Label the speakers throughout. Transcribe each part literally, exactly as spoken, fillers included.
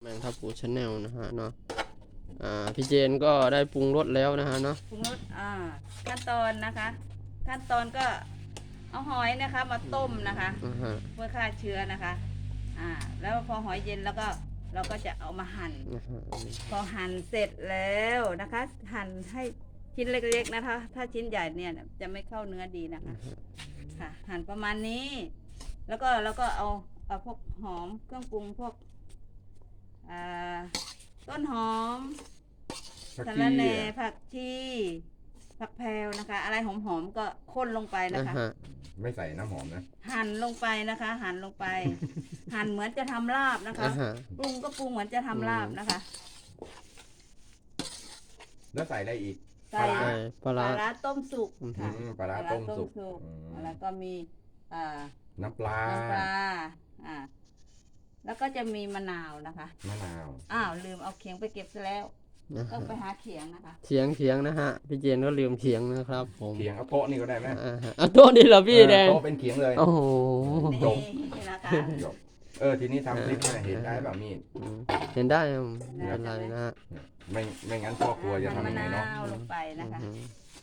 Speaker 1: แมงทับปูชาแนลนะฮะเนาะอ่าพี่เจนก็ได้ปรุงรสแล้วนะฮะเนาะ
Speaker 2: ปรุงรสอ่าขั้นตอนนะคะ ขั้นตอนก็เอาหอยนะคะมาต้มนะคะ
Speaker 1: อ่าฮะ
Speaker 2: เพื่อฆ่าเชื้อนะคะอ่าแล้วพอหอยเย็นแล้วก็เราก็จะเอามาหั่น
Speaker 1: นะฮะ
Speaker 2: พอหั่นเสร็จแล้วนะคะ หั่นให้ชิ้นเล็กๆนะคะ ถ้าชิ้นใหญ่เนี่ยจะไม่เข้าเนื้อดีนะคะค่ะ หั่นประมาณนี้ แล้วก็แล้วก็เอาเอาพวกหอมเครื่องปรุงพวกอ่าต้นหอม
Speaker 3: ผัก
Speaker 2: สะ
Speaker 3: ชี
Speaker 2: ระแหน่
Speaker 3: อ่ะ
Speaker 2: ผักชีผักแพรวนะคะ อะไรหอมๆก็ข้นลงไปนะ
Speaker 1: อ่า
Speaker 2: คะ
Speaker 1: ฮะ
Speaker 3: ไม่ใส่น้ำหอมนะ
Speaker 2: หั่นลงไปนะคะ หั่นลงไป หั่นเหมือนจะทำลาบนะคะ
Speaker 1: อ่าฮะ
Speaker 2: ปรุงก็ปรุงเหมือนจะทำลาบนะคะ
Speaker 3: แล้วใส่อะไรอีก
Speaker 2: ใส่
Speaker 3: ปลาร้า
Speaker 1: ใส่ปลา
Speaker 2: ป
Speaker 1: ร้า
Speaker 2: ลาร้าต้มสุกค่ะ
Speaker 3: อืมปลาร้าต้มสุกอืม
Speaker 2: แล้วก็มีอ่า
Speaker 3: น้ำปลา
Speaker 2: น้ำปลาอ่าแล้วก็จะมีมะนาวนะคะ
Speaker 3: มะนาว
Speaker 2: อ้าวลืมเอาเขียงไปเก็บซะแล้ว
Speaker 1: นะ
Speaker 2: ต้อ
Speaker 1: ฮะ
Speaker 2: งไปหาเขียงนะคะ
Speaker 1: เถียงเถียงนะฮะพี่เจนก็ลืมเถียงนะครับผม
Speaker 3: เขียงเอาโต๊ะนี่ก็ได้ไหม
Speaker 1: อ่าฮะเอาโต๊ะนี่เหรอพี่แดง
Speaker 3: โต๊ะเป็นเขียงเลย
Speaker 1: โอ้โห
Speaker 3: จบ
Speaker 2: นี่นะคะ
Speaker 3: จบเออทีนี้ทำคลิปเนี่ยเห็นได้แบบมีด
Speaker 1: อืมเห็นได้ครับไม่เป็นไรนะฮะ
Speaker 3: ไม่ไม่งั้นพ่อครัวจะ
Speaker 2: หั่น
Speaker 3: ทำ
Speaker 2: มะ
Speaker 3: ยังไง
Speaker 2: นา
Speaker 3: เนาะ
Speaker 2: วลงไปนะคะ
Speaker 1: อืม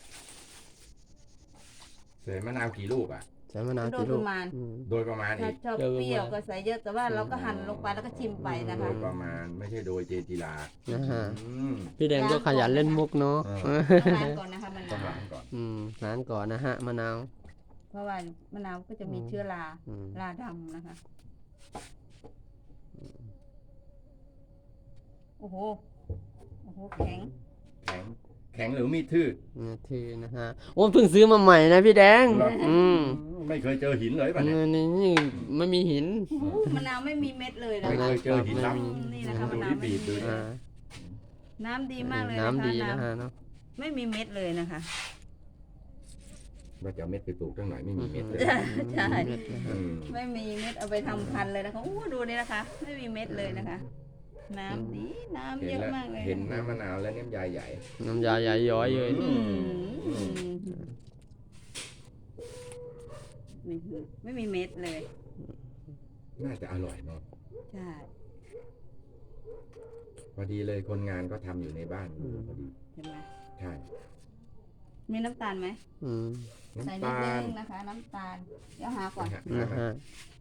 Speaker 3: ใส่มะนาวกี่ลูกอ่ะ
Speaker 1: ใส่มะนาว
Speaker 2: โด
Speaker 1: กี่
Speaker 2: ย
Speaker 1: ลู
Speaker 2: ป
Speaker 1: ก
Speaker 2: ระมาณ
Speaker 1: อืม
Speaker 3: โดยประมาณ
Speaker 2: ถ้า
Speaker 3: อีก
Speaker 2: ชอบเปรี้ยวก็ใส่เยอะแต่ว่าเราก็หั่นลงไปแล้วก็ชิมไปนะ
Speaker 3: โด
Speaker 2: คะ
Speaker 3: ยประมาณไม่ใช่โดยเจติลา
Speaker 1: นะฮะ
Speaker 3: อืม
Speaker 1: พี่แดงก็ขยันเล่นมุกเนาะ
Speaker 3: เออ
Speaker 2: ต้องล้างก่อนนะคะมะ
Speaker 3: ต้อง
Speaker 2: นาว
Speaker 3: ล้างก่อน
Speaker 1: อืมร้านก่อนนะฮะมะนาว
Speaker 2: เพราะว่ามะนาวก็จะมีเชื้อรา
Speaker 1: อืม
Speaker 2: ราดำนะคะ โอ้โห โอ้โห แข็ง
Speaker 3: แข็งแข็งหรือมีดทื่อ
Speaker 1: นี่ทีนะฮะโอ้เพิ่งซื้อมาใหม่นะพี่แดง
Speaker 3: เหรอ
Speaker 1: อืม
Speaker 3: ไม่เคยเจอหินเลยป่ะเนี่ย
Speaker 1: นี่นี่ไม่มีหิน
Speaker 2: โอ้โหมะนาวไม่มีเม็ดเลยนะ
Speaker 3: ไม่
Speaker 2: คะ
Speaker 3: เคยเจอหินลับ
Speaker 1: ไม่มี
Speaker 2: นี่นะคะมะ
Speaker 3: ดู
Speaker 2: นาว
Speaker 3: ที่
Speaker 2: ไม่
Speaker 3: บีบดู
Speaker 2: มี
Speaker 3: ดิ
Speaker 1: อ่า
Speaker 2: น้ำดีมากเลยนะคะ
Speaker 1: น้ำดีนะ
Speaker 2: น้
Speaker 1: ฮะเนาะ
Speaker 2: ำไม่มีเม็ดเลยนะคะ
Speaker 3: ว่าจะเอาเม็ดไปปลูกตั้งหน่อยไม่มีเม็ดเลย
Speaker 2: ใช่ใช่
Speaker 1: เม็ดนะฮะ
Speaker 3: อืม
Speaker 2: ไม่มีเม็ดเอาไปทำพันธุ์เลยนะคะโอ้ดูนี่นะคะ ไม่มีเม็ดเลยนะคะ น้ำดีน้ำ
Speaker 3: เห็
Speaker 2: เย
Speaker 3: น
Speaker 2: อะ
Speaker 3: แล้ว
Speaker 2: มากเลย
Speaker 3: เห็นน้ำมะนาวแล้วน้ำยาใหญ่
Speaker 1: น้ำยาใหญ่ย้อยเลย
Speaker 2: อืมนี่คือไม่มีเม็ดเลย
Speaker 3: น่าจะอร่อยเนาะ
Speaker 2: ใช่
Speaker 3: พอดีเลยคนงานก็ทำอยู่ในบ้านพอดี
Speaker 2: เห็นไหม
Speaker 3: ใช่
Speaker 2: มีน้ำตาลไหม
Speaker 1: อืม
Speaker 2: ใส่
Speaker 3: น้ำ
Speaker 2: นิด
Speaker 3: ตาล
Speaker 2: นึงนะคะ น้ำตาลเดี๋ยวหาก่อน
Speaker 3: นะฮะ
Speaker 1: นะฮะ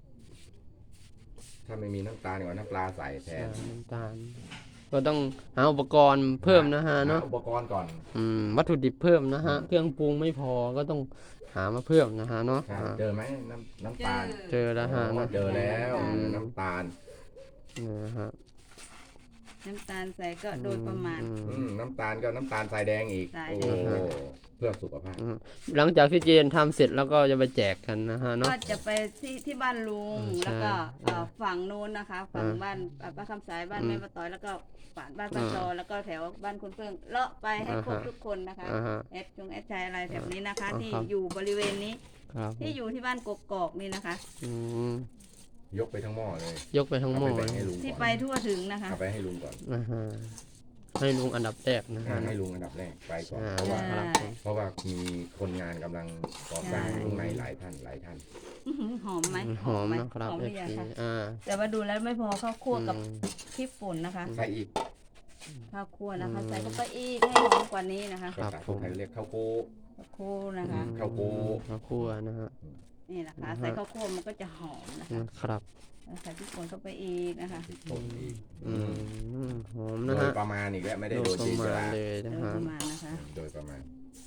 Speaker 3: ถ้าไม่มีน้ำตาลก็น้ำปลาใส่แทน
Speaker 1: น้ำตาลก็ต้องหาอุปกรณ์เพิ่มนะฮะเนาะ
Speaker 3: หอุปกรณ์ก่อน
Speaker 1: อืมวัตถุดิบเพิ่มนะฮะเครื่องปรุงไม่พอก็ต้องหามาเพิ่มนะฮะเนาะ
Speaker 3: ใช่
Speaker 1: อ่า
Speaker 3: เจอไหมน้ำน้ำตาล
Speaker 1: เจอแล้วฮะ
Speaker 3: อ๋อ
Speaker 1: เนาะ
Speaker 3: เจอแล้ว
Speaker 1: อืม
Speaker 3: น้ำตาล
Speaker 1: นะฮะ
Speaker 2: น้ำตาลใส่ก็โดยประมาณ
Speaker 1: อื
Speaker 3: อื
Speaker 1: ม
Speaker 3: มน้ำตาลก็น้ำตาลทรายแดงอีก
Speaker 2: ทราย
Speaker 3: โอ้
Speaker 2: แดง
Speaker 3: เพื่อสุขภาพ
Speaker 1: อืมหลังจากที่เจนทำเสร็จแล้วก็จะไปแจกกันนะฮะเนาะ
Speaker 2: ก็จะไปที่ที่บ้านลุง
Speaker 1: อืม
Speaker 2: แล้วก็
Speaker 1: ใช่
Speaker 2: เอ่อฝั่งนู้นนะคะ ฝั่ง
Speaker 1: อ่า
Speaker 2: บ้านเอ่อป้าคำสายบ้าน
Speaker 1: อืม
Speaker 2: แม่ป้าต้อยแล้วก็ฝ่านบ้านป้า
Speaker 1: อ่า
Speaker 2: จอแล้วก็แถวบ้านคุณเพิ่งเลาะไปให้
Speaker 1: อ่า
Speaker 2: ครบ
Speaker 1: ฮะ
Speaker 2: ทุกคนนะคะ
Speaker 1: อ่าฮะ
Speaker 2: แอดจงแอดชายอะไรแบบนี้นะคะ
Speaker 1: อ่า
Speaker 2: ที่
Speaker 1: ครับ
Speaker 2: อยู่บริเวณนี้
Speaker 1: ครับ
Speaker 2: ที่อยู่ที่บ้านกกอกนี่นะคะ
Speaker 1: อืม
Speaker 3: ยกไปทั้งหม้อเลย
Speaker 1: ยกไปทั้งหม้อ
Speaker 3: เอาไป
Speaker 1: เล
Speaker 3: แบ่งให้
Speaker 1: ย
Speaker 3: ลุง
Speaker 2: ที่
Speaker 3: ก่อน
Speaker 2: ไปทั่วถึงนะคะ
Speaker 3: เอาไปให้ลุงก่อน
Speaker 1: นะฮะให้ลุงอันดับแรกนะ
Speaker 3: อ่า
Speaker 1: ฮะ
Speaker 3: ให้ลุงอันดับแรกไปก่อน
Speaker 1: อ่า
Speaker 3: เพราะว่า
Speaker 1: ครับผม
Speaker 3: เพราะว่ามีคนงานกำลังก่อสร้าง
Speaker 2: ใช่
Speaker 3: ข้างในหลายท่านหลายท่าน
Speaker 2: อื้อหือหอมไหม
Speaker 1: หอม
Speaker 2: ไห
Speaker 1: นะครับ
Speaker 2: หอม
Speaker 1: เอ
Speaker 2: หรื
Speaker 1: ฟ
Speaker 2: อยัง
Speaker 1: ซี
Speaker 2: คะ
Speaker 1: อ่า
Speaker 2: แต่ว่าดูแล้วไม่พอข้าวคั่วกับ
Speaker 1: อืม
Speaker 2: พริกป่นนะคะ
Speaker 3: ใส่อีก
Speaker 2: ข้าวคั่วนะคะ
Speaker 1: อืม
Speaker 2: ใส่เข้าไปอีกให้หอมกว่านี้นะคะ
Speaker 1: ครับ
Speaker 3: ภาษาคนไทยเรียกข้าวโพด
Speaker 2: ข้าวคั่วนะคะ
Speaker 3: ข้าวคั่ว
Speaker 1: ข้าวคั่วนะฮะ
Speaker 2: นี่นะคะ
Speaker 1: นะฮะ
Speaker 2: ใส่ข้าวคั่วมันก็จะหอมนะคะ
Speaker 1: นะครับ
Speaker 2: แล้วใส่พริกป่นเข้าไปอีกนะคะ
Speaker 3: พริกป่นอีก
Speaker 1: อืมหอม
Speaker 3: โด
Speaker 1: นะ
Speaker 3: ย
Speaker 1: ฮะ
Speaker 3: ประมาณอีกแล้วไม่ได้
Speaker 1: โด
Speaker 3: โด
Speaker 1: ย
Speaker 3: ย
Speaker 1: ป
Speaker 3: จี
Speaker 1: ระ
Speaker 3: น
Speaker 1: มา
Speaker 3: จ
Speaker 1: ณ
Speaker 3: รา
Speaker 1: เลย
Speaker 2: โด
Speaker 1: นะ
Speaker 2: ย
Speaker 1: ฮะ
Speaker 2: ประมาณนะคะ
Speaker 3: โดยประมาณ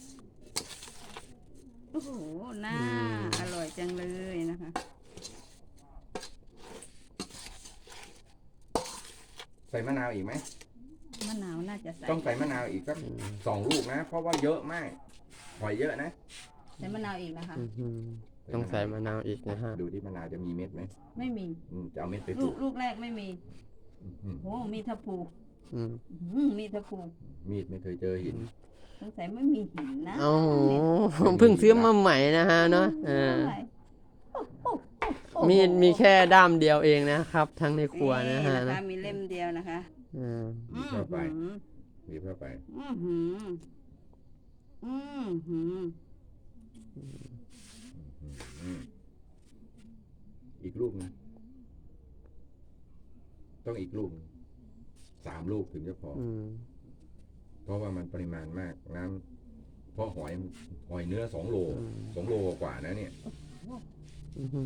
Speaker 2: โอ้โหน่า
Speaker 1: อืม
Speaker 2: อร่อยจังเลยนะคะ
Speaker 3: ใส่มะนาวอีกไหม
Speaker 2: มะนาวน่าจะใส่
Speaker 3: ต้องใส่มะนาวอีกสัก
Speaker 1: อืม
Speaker 3: สองลูกนะ เพราะว่าเยอะมากหอยเยอะนะ
Speaker 2: ใส่มะนาวอีกนะคะ
Speaker 1: อื้อหือต้องใส่มะนาวอีกนะฮะ
Speaker 3: ดูที่มะนาวจะมีเม็ดไหม
Speaker 2: ไม่มี
Speaker 3: อืมจะเอาเม็ดไปป
Speaker 2: ลู
Speaker 3: ลู
Speaker 2: ก
Speaker 3: ก
Speaker 2: ลูกแรกไม่มี
Speaker 3: อืม
Speaker 2: โอ้มีทะพู
Speaker 1: อืม
Speaker 2: อื้อหือมีทะพู
Speaker 3: มีดไม่เคยเจอหิน
Speaker 2: สงสัยไม่มีหินนะ
Speaker 1: โอ้โหเพิ่งซื้อมาใหม่นะฮะเนาะเออ
Speaker 2: เท่าไหร่โอ้โหโอ้โห
Speaker 1: มีมีแค่ด้ามเดียวเองนะครับ ทั้งในครัวนะฮะ
Speaker 2: นี่นะคะ
Speaker 1: นะ
Speaker 2: มีเล่มเดียวนะคะ
Speaker 1: อืม
Speaker 3: บีบเข้าไป
Speaker 2: อื้อหือ
Speaker 3: บีบเข้าไป
Speaker 2: อือหืออือหือ
Speaker 3: อืมอีกลูกหนึงต้องอีกลูกหนึ่งสามลูกถึงจะพออ
Speaker 1: อืม
Speaker 3: เพราะว่ามันปริมาณมากน้ำเพราะหอยหอยเนื้อสองโลสองโลกว่านะเนี่ย
Speaker 1: อื้อหือ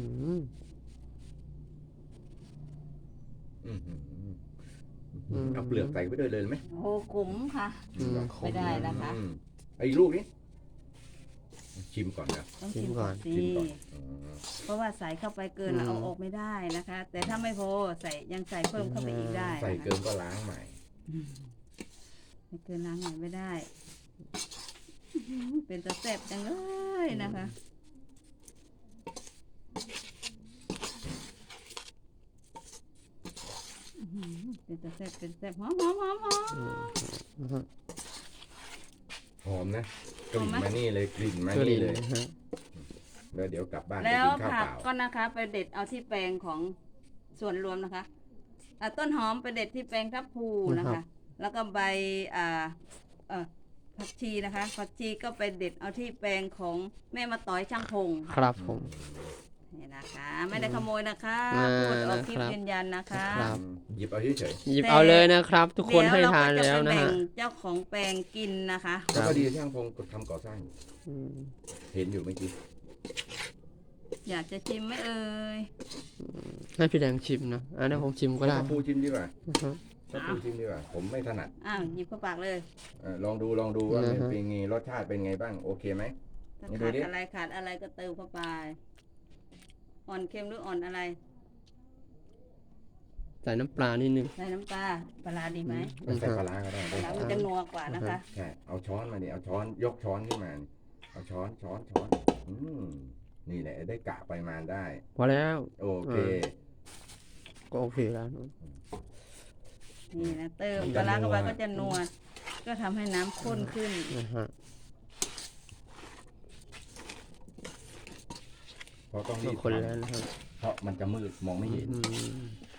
Speaker 3: อื้อหือเอาเปลือกใส่ไปด้วยเลยไหม
Speaker 2: โอ้ขุมค่ะ
Speaker 1: อืม
Speaker 2: ไม่ได้นะคะ
Speaker 3: อืมไอ้ลูกนี้ชิมก่อนนะ
Speaker 2: ต้องชิมก่อนสิ
Speaker 3: ชิมก่อนอ๋อ
Speaker 2: เพราะว่าใส่เข้าไปเกินเราเอาออกไม่ได้นะคะ แต่ถ้าไม่พอใส่ยังใส่เพิ่มเข้าไปอีกได้
Speaker 3: ใส่
Speaker 2: นะคะ
Speaker 3: เกินก็ล้างใหม่
Speaker 2: อืมไม่เกินล้างหน่อยไม่ได้อื้อหือเป็นตะแซ่บจังเลยนะคะอื้อหือเป็นตะแซ่บเป็นแซ่บหอมหอมหอมหอม
Speaker 1: อือฮะ
Speaker 3: หอมนะกลิ่นมานี่เลยกลิ่นมา
Speaker 1: ก็
Speaker 3: นี่
Speaker 1: ดี
Speaker 3: เลย
Speaker 1: นะฮะ
Speaker 3: แล้วเดี๋ยวกลับบ้านไป
Speaker 2: แล้ว
Speaker 3: กินข้าว
Speaker 2: ผัก
Speaker 3: เปล่า
Speaker 2: ก็นะคะ ไปเด็ดเอาที่แปลงของส่วนรวมนะคะอ่ะต้นหอมไปเด็ดที่แปลงทับพลูนะคะ แล้วก็ใบอ่าเอ่อผักชีนะคะผักชีก็ไปเด็ดเอาที่แปลงของแม่มาต่อยช่างพง
Speaker 1: ครับผม
Speaker 2: นี่นะคะ ไม่ได้ขโมยนะคะ
Speaker 1: อ่า
Speaker 2: พูดออกคลิป
Speaker 1: นะครับ
Speaker 2: ยืนยันนะคะ
Speaker 1: ครับ
Speaker 3: อืมหยิบเอาเฉย
Speaker 1: หยิบเอาเลยนะครับ ทุกคนให้ทาน
Speaker 2: เดี๋ย
Speaker 1: แล้ว
Speaker 2: เรก็จ
Speaker 1: นะ
Speaker 2: ไป
Speaker 1: ฮะ
Speaker 2: แบ่งเจ้าของแปลงกินนะคะ
Speaker 3: ๆแล้วก็ดีช่างพงทำก่อสร้างอยู่
Speaker 1: อืม
Speaker 3: เห็นอยู่เมื่อกี้
Speaker 2: อยากจะชิมไหมเอ่ย
Speaker 1: ให้พี่แดงชิมนะอันนี้ผมชิมก็ได้
Speaker 3: ถ้าปูชิมดีกว่า
Speaker 1: อือฮะ
Speaker 3: ถ้าปูชิมดีกว่า ผมไม่ถนัด
Speaker 2: อ้าวหยิบเข้าปากเลย
Speaker 3: เออลองดูลองดูว่า
Speaker 1: นะ
Speaker 3: มัน
Speaker 1: ฮะ
Speaker 3: เป็นไงรสชาติเป็นไงบ้างโอเคไหม
Speaker 2: ถ้า
Speaker 3: นี่ดู
Speaker 2: ขาด
Speaker 3: ดิ
Speaker 2: อะไรขาดอะไรก็เติมเข้าไป อ่อนเค็มหรืออ่อนอะไร
Speaker 1: ใส่น้ำปลานิดนึง
Speaker 2: ใส่น้ำปลาปลาร้าดีไหม
Speaker 3: ไม่ใส่ปลาร้าก็ได้
Speaker 2: ป
Speaker 3: ได้
Speaker 2: ลาร้ามันจะนัวกว่านะคะ
Speaker 3: ใช่เอาช้อนมาดิเอาช้อนยกช้อนขึ้นมานี่เอาช้อนช้อนช้อนอืมนี่แหละได้กะปริมาณได้
Speaker 1: พอแล้ว
Speaker 3: โอเค
Speaker 1: เออ ก็โอเคแล้วนะ
Speaker 2: นี่นะเติม
Speaker 3: มัน
Speaker 2: ป
Speaker 3: จะ
Speaker 2: ลาร้าเข้าไป
Speaker 3: นัว
Speaker 2: ก็จะนัวก็ทำให้น้ำข้นขึ้น
Speaker 1: นะฮะ
Speaker 3: เพราะต้อง
Speaker 1: ก็
Speaker 3: รีบ
Speaker 1: คน
Speaker 3: ท
Speaker 1: แล้วนะครับ
Speaker 3: ำเพราะมันจะมืดมองไม่เห็น
Speaker 1: อืม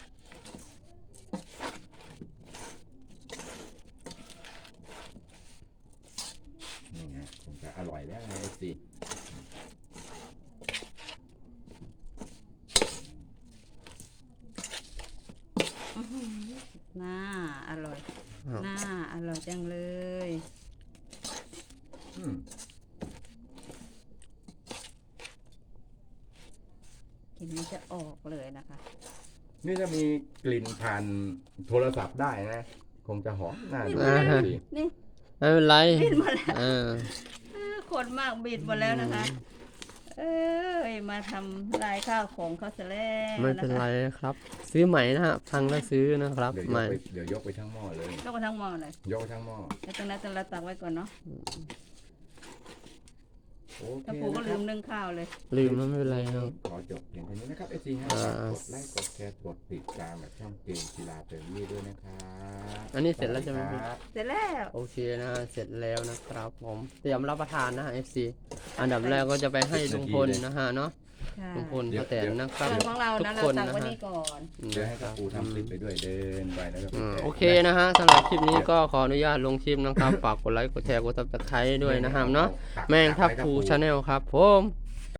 Speaker 3: นี่ไงคงจะอร่อยแล้วไงเอฟซี
Speaker 2: น่าอร่อย
Speaker 1: ครับ
Speaker 2: น่าอร่อยจังเลย
Speaker 3: อืม
Speaker 2: กลิ่นมันจะออกเลยนะคะ
Speaker 3: นี่ถ้ามีกลิ่นผ่านโทรศัพท์ได้นะ คงจะหอมน่าดู
Speaker 1: อ่าฮะ
Speaker 3: สิ
Speaker 2: นี่
Speaker 1: ไม่เป็นไร
Speaker 2: บิดหมดแล้ว
Speaker 1: เออ
Speaker 2: เออคนมากบิดหมดแล้วนะคะ เอ้ยมาทำลายข้าวของเขาซะแล้ว
Speaker 1: ไม่เป็นไรครับ ซื้อใหม่นะฮะพังแล้วซื้อนะครับ
Speaker 3: เดี๋ยวย
Speaker 1: ให
Speaker 3: ก
Speaker 1: ม่
Speaker 3: ไปเดี๋ยวยกไปทั้งหม้อเลย
Speaker 2: แล้วก็ทั้งหม้อเลย
Speaker 3: ยกไปทั้งหม้อ
Speaker 2: แล้วตรงนั้นตรงนั้นตักไว้ก่อนเนาะ
Speaker 3: โอเค
Speaker 2: ถ้าปูก็
Speaker 3: นะค
Speaker 2: ลื
Speaker 3: รับ
Speaker 2: มนึ่งข้าวเลย
Speaker 1: ลืมแล้วไม่เป็นไรครับ
Speaker 3: ขอจบเพียงเท่านี้นะครับเอฟซีฮะ
Speaker 1: อ่า
Speaker 3: กดไลค์กดแชร์กดติดตามแบบช่องเกมกีฬาเติมนี่ด้วยนะครับ
Speaker 1: อันนี้เสร็จแล้วใช่ไหมพี่
Speaker 3: ครับ
Speaker 2: เสร็จแล้ว
Speaker 1: โอเคนะฮะเสร็จแล้วนะครับผมเตรียมรับประทานนะฮะ เอฟ ซี อันดับแรกก็จะไปให้ลุงพลนะฮะเนาะ
Speaker 2: ค่ะ
Speaker 1: ลุงพลป้าแตนนะครับ
Speaker 2: ส่วนของเรา
Speaker 1: ทุก
Speaker 2: นะ
Speaker 1: ค
Speaker 2: เรา
Speaker 1: น
Speaker 2: ตัก
Speaker 1: นะ
Speaker 2: ไว้
Speaker 1: ฮะ
Speaker 2: นี่ก่อน
Speaker 3: เดี๋ยวให้กับปูทำคลิปไปด้วยเดินไปแล้วก็ไป
Speaker 1: อืม
Speaker 3: แจก
Speaker 1: โอเคนะฮะสำหรับคลิปนี้ก็ขออนุญาตลงคลิปนะครับ ฝากกดไลค์กดแชร์กดซับสไครต์ด้วยนะครับเนาะแมงทับพูชาแนลครับผม